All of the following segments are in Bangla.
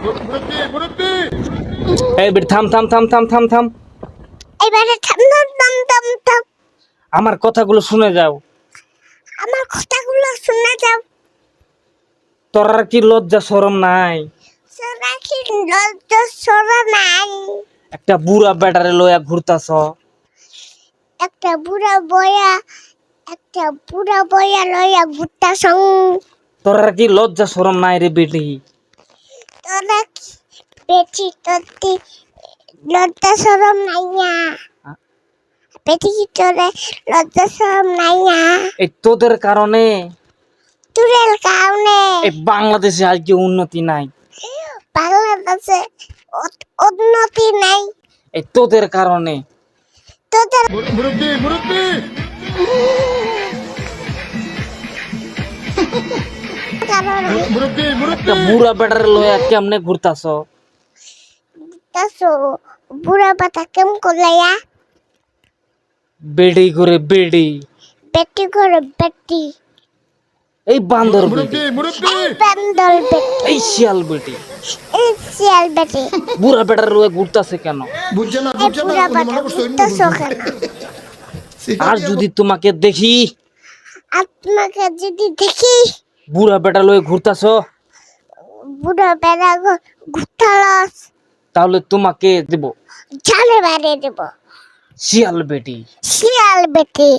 এই বেটা থাম থাম থাম থাম থাম থাম। এবারে থাম থাম থাম থাম থাম। আমার কথাগুলো শুনে যাও। আমার কথাগুলো শুনে যাও। তোর আর কি লজ্জা শরম নাই? তোরা কি লজ্জা শরম নাই? একটা বুড়া বেটারে লইয়া ঘুরতাছ। একটা বুড়া বয়া লইয়া ঘুরতাছ। তোর আর কি লজ্জা শরম নাই রে বেটি? তোরা কি বেটি তোর লজ্জা শরম নাই না? বেটি কি তোরে লজ্জা শরম নাই না? এই তোদের কারণে তুরের কারণে এই বাংলাদেশে আজকে উন্নতি নাই। বাংলাদেশে উন্নতি নাই। এই তোদের কারণে। তোদের কারণে একটা বুড়া বেটারে লইয়া কেমনে ঘুরতাছ? তাসো বুড়া পাতা কেম করলায়া? বেডি করে বেডি। বেটি করে বেটি। এই বান্দর বেটি। এই বান্দর বেটি। এই শিয়াল বেটি। এই শিয়াল বেটি। বুড়া বেটারে লইয়া ঘুরতাছে কেন? এই বুড়া পাতা ঘুরতেছো কেন? আর যদি তোমাকে দেখি আপনাকে যদি দেখি বুড়া বেটা লইয়া ঘুরতাছ, বুড়া বেড়া ঘুরতালস, তাহলে তোমাকে দেব জালে বাড়ি দেব। শিয়াল বেটি। শিয়াল বেটি।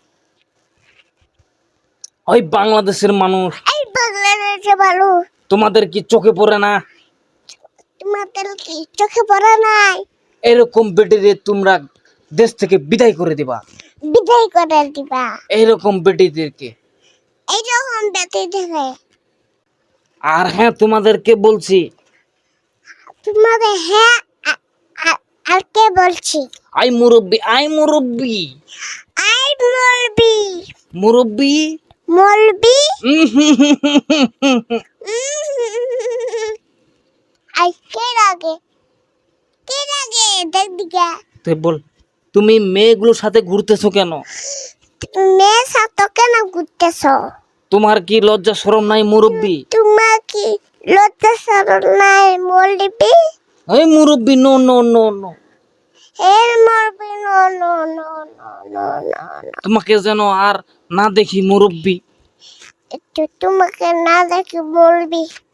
ওই বাংলাদেশের মানুষ এই বাংলাদেশে ভালো। তোমাদের কি চোখে পড়ে না? তোমাদের কি চোখে পড়া নাই? এরকম বেটিরে তোমরা দেশ থেকে বিদায় করে দিবা। বিদায় করে দিবা। এইরকম বেটিদেরকে। এইরকম বেটি দেখে আর হ্যাঁ, তোমাদেরকে বলছি, তোমাদের হ্যাঁ আর কে বলছি? আই মুরব্বি, আই মুরব্বি, আই মলবি। মুরব্বি। মলবি। আই কে লাগে দেখ দিকে। তুই বল, তুমি মেয়েগুলোর সাথে ঘুরতেছো কেন? মেয়ে সাথে কেন ঘুরতেছ? তোমার কি লজ্জা শরম নাই মুরব্বি? তোমার কি লজ্জা শরম নাই মলবি? এই মুরব্বি, নো নো নো নো। এর মলবি no no no no no no. তোমাকে যেন আর না দেখি মুরব্বি। একটু তোমাকে না দেখে বলবি।